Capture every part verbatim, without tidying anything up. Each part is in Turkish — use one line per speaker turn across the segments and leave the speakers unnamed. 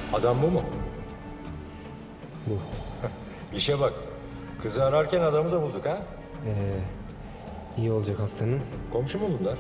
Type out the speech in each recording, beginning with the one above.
Adam bu mu?
Bu.
İşe bak. Kızı ararken adamı da bulduk ha.
Ee, iyi olacak hastanın.
Komşu mu bunlar?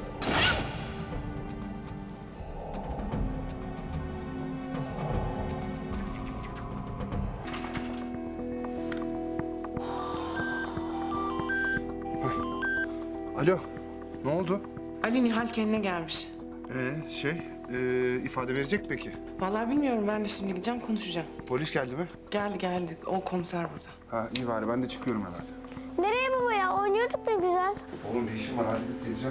Alo, ne oldu?
Ali Nihal kendine gelmiş.
Ee, şey, e, ifade verecek mi peki?
Vallahi bilmiyorum, ben de şimdi gideceğim konuşacağım.
Polis geldi mi?
Geldi geldi, o komiser burada.
Ha iyi bari, ben de çıkıyorum hemen.
Nereye baba ya? Oynuyorduk ne güzel.
Oğlum bir işim var, halledip geleceğim.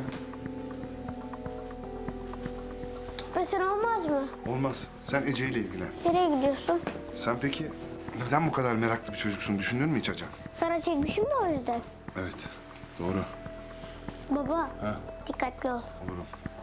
Gitmesen olmaz mı?
Olmaz, sen Ece ile ilgilen.
Nereye gidiyorsun?
Sen peki neden bu kadar meraklı bir çocuksun, düşündün mü hiç Hacan?
Sana çekmişim de o yüzden.
Evet, doğru.
Baba,
Ha?
dikkatli ol.
Olurum.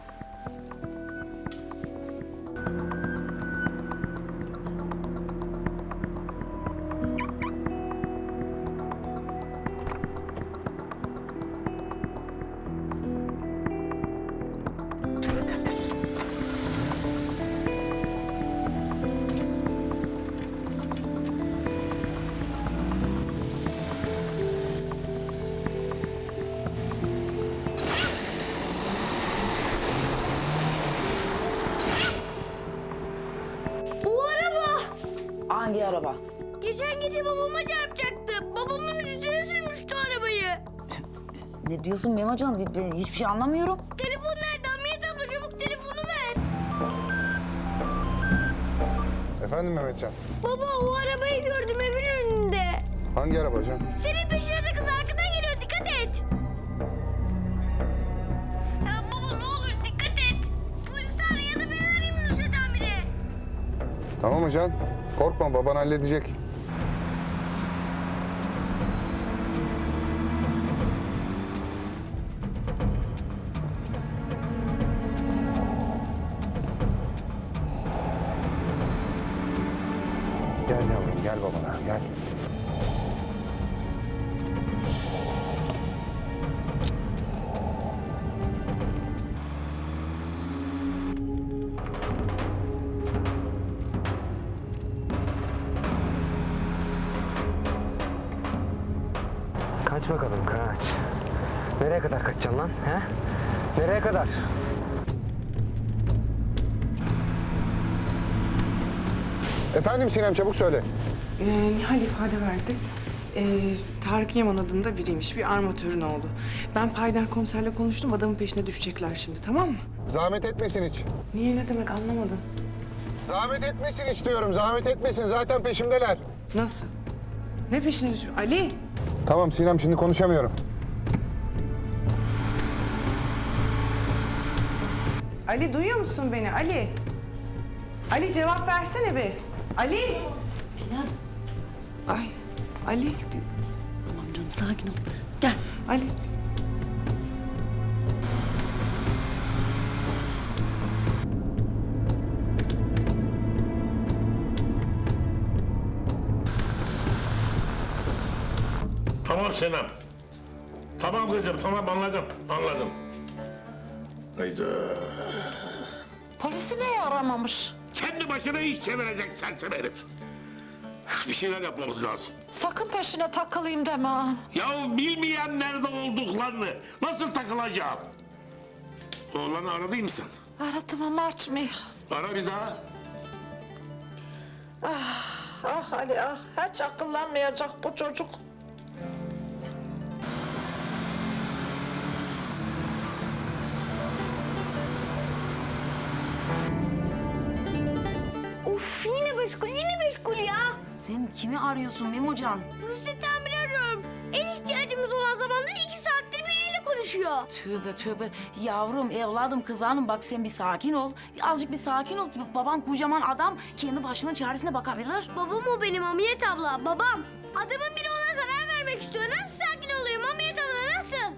O araba!
Hangi araba?
Geçen gece babama çarpacaktı. Babamın üstüne sürmüştü arabayı.
Ne diyorsun Memocan? Ben hiçbir şey anlamıyorum.
Telefon nerede? Hamiyet abla çabuk telefonu ver.
Efendim Mehmetcan,
Baba o arabayı gördüm evin önünde.
hangi araba Hacan?
Senin peşine de kız arkadan geliyor, dikkat et. Ya baba ne olur dikkat et. Polisi ara ya da ben arayayım Nusret amire.
Tamam Hacan, korkma baban halledecek. Gel yavrum, gel babana, gel.
Kaç bakalım kaç. Nereye kadar kaçacaksın lan? He? Nereye kadar?
Efendim Sinem, çabuk söyle.
Ee, Nihal ifade verdi. Ee, Tarık Yaman adında biriymiş, bir armatörün oğlu. Ben Paydar komiserle konuştum, adamın peşine düşecekler şimdi, tamam mı?
Zahmet etmesin hiç.
Niye, ne demek, anlamadım.
Zahmet etmesin hiç diyorum, zahmet etmesin. Zaten peşimdeler.
Nasıl? Ne peşine düşüyor? Ali!
Tamam Sinem, şimdi konuşamıyorum.
Ali duyuyor musun beni? Ali! Ali cevap versene be! Ali!
Sinan.
Ay, Ali!
Tamam canım sakin ol. Gel.
Ali!
Tamam Senem. Tamam kızım, tamam anladım, anladım. Hayda.
Polisi niye aramamış?
Kendi başına iş çevirecek sersem herif. Bir şeyler yapmamız lazım.
Sakın peşine takılayım deme ha.
Ya bilmeyen nerede olduklarını nasıl takılacağım? Oğlanı aradın mı sen?
Aradım ama açmıyor.
Ara bir daha.
Ah Ali ah, hiç akıllanmayacak bu çocuk.
Uf yine meşgul, yine meşgul ya.
Sen kimi arıyorsun Memocan?
Nusret amire arıyorum. En ihtiyacımız olan zamanda iki saattir biriyle konuşuyor.
Tövbe tövbe. Yavrum, evladım, kız hanım bak sen bir sakin ol. Bir azıcık bir sakin ol. Baban kocaman adam kendi başının çaresine bakabilir.
Babam o benim Hamiyet abla, babam. Adamın biri ona zarar vermek istiyor. Nasıl sakin olayım Hamiyet abla, nasıl?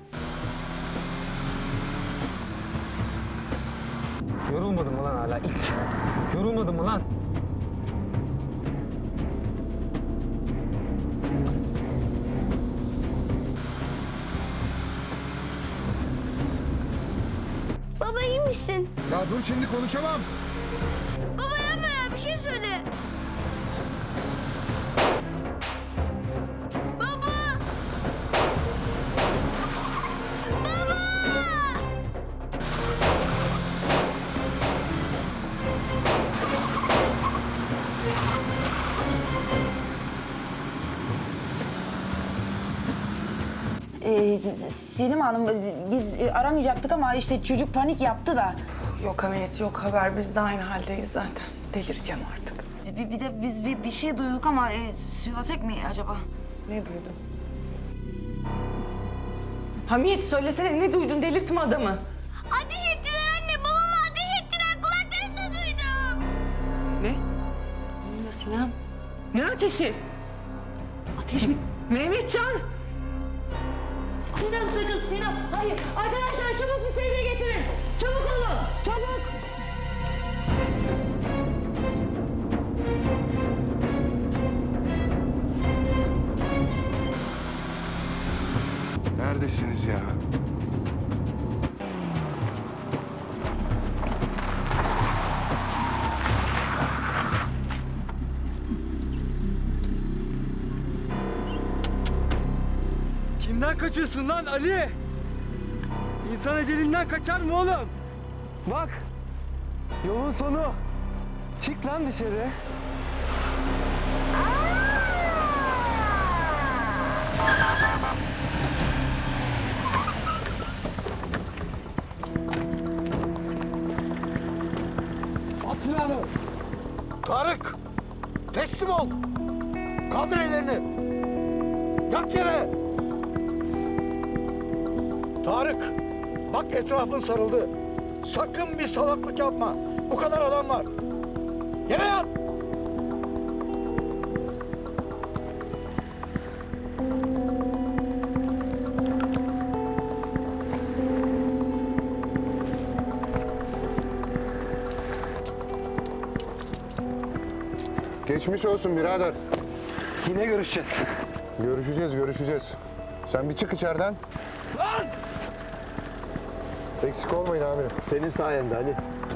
Yorulmadın mı lan hala ilk? Yorulmadın mı lan?
Baba iyi misin?
Ya dur şimdi konuşamam.
Baba yapma ya, bir şey söyle.
Ee, Selim Hanım biz aramayacaktık ama işte çocuk panik yaptı da.
Yok Hamiyet yok haber biz de aynı haldeyiz zaten. Delireceğim artık.
Bir, bir de biz bir, bir şey duyduk ama e, söylesek mi acaba?
Ne duydun? Hamiyet söylesene ne duydun delirtme adamı.
Ateş ettiler anne, babama ateş ettiler. Kulaklarımla duydum.
Ne?
Ne oluyor Sinem?
Ne ateşi?
Ateş mi?
Mehmetcan!
Sinem sakın Sinem. Hayır. Arkadaşlar çabuk bir sedye getirin. Çabuk olun. Çabuk.
Neredesiniz ya?
Kimden kaçıyorsun lan Ali? İnsan ecelinden kaçar mı oğlum? Bak, yolun sonu. Çık lan dışarı. At silahını. Tarık, teslim ol. Kaldır ellerini. Yat yere. Tarık, bak etrafın sarıldı. Sakın bir salaklık yapma. Bu kadar adam var. Yere yat.
Geçmiş olsun birader.
Yine görüşeceğiz.
Görüşeceğiz, görüşeceğiz. Sen bir çık içeriden. Eksik olmayın amirim.
Senin sayende Ali.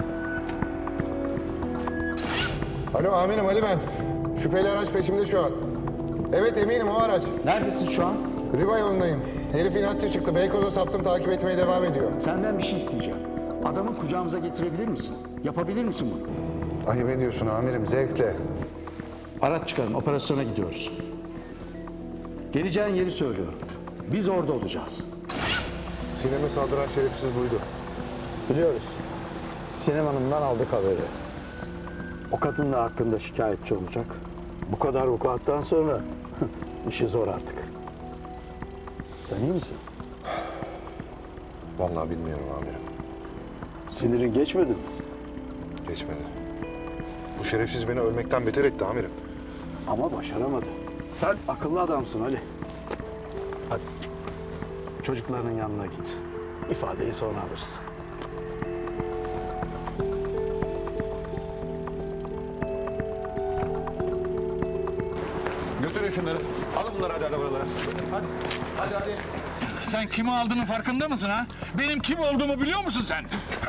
Alo amirim Ali ben. Şüpheli araç peşimde şu an. Evet eminim o araç.
Neredesin şu an?
Riva yolundayım. Herif inatçı çıktı. Beykoz'a saptım takip etmeye devam ediyor.
Senden bir şey isteyeceğim. Adamı kucağımıza getirebilir misin? Yapabilir misin bunu?
Ayıp ediyorsun amirim zevkle.
Araç çıkarın, operasyona gidiyoruz. Geleceğin yeri söylüyorum. Biz orada olacağız.
Sinem'e saldıran şerefsiz buydu.
Biliyoruz. Sinem Hanım'dan aldık haberi. O kadın da hakkında şikayetçi olacak. Bu kadar vukuattan sonra işi zor artık. Sen iyi misin?
Vallahi bilmiyorum amirim.
Sinirin geçmedi mi?
Geçmedi. Bu şerefsiz beni ölmekten beter etti amirim.
Ama başaramadı. Sen akıllı adamsın Ali. Hadi. Çocuklarının yanına git. İfadeyi sonra alırız.
Götürün şunları. Alın bunları hadi arabalara. Hadi. Hadi hadi.
Sen kimi aldığının farkında mısın ha? Benim kim olduğumu biliyor musun sen?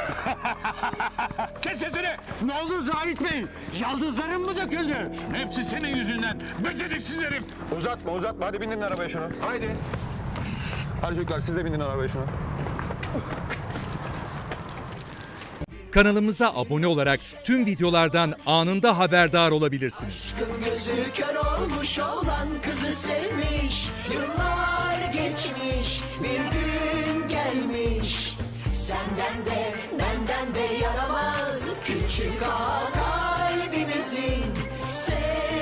Kes sesini!
Ne oldu Zahit Bey? Yaldızların mı döküldü?
Hepsi senin yüzünden. Beceriksiz herif.
Uzatma uzatma. Hadi bindirin arabaya şunu. Haydi. Hadi çocuklar siz de bindin arabaya şunu.
Kanalımıza abone olarak tüm videolardan anında haberdar olabilirsiniz.
Aşkın gözü kör olmuş olan kızı sevmiş. Yıllar geçmiş, bir gün gelmiş. Senden de benden de yaramaz küçük ağa kalbimizi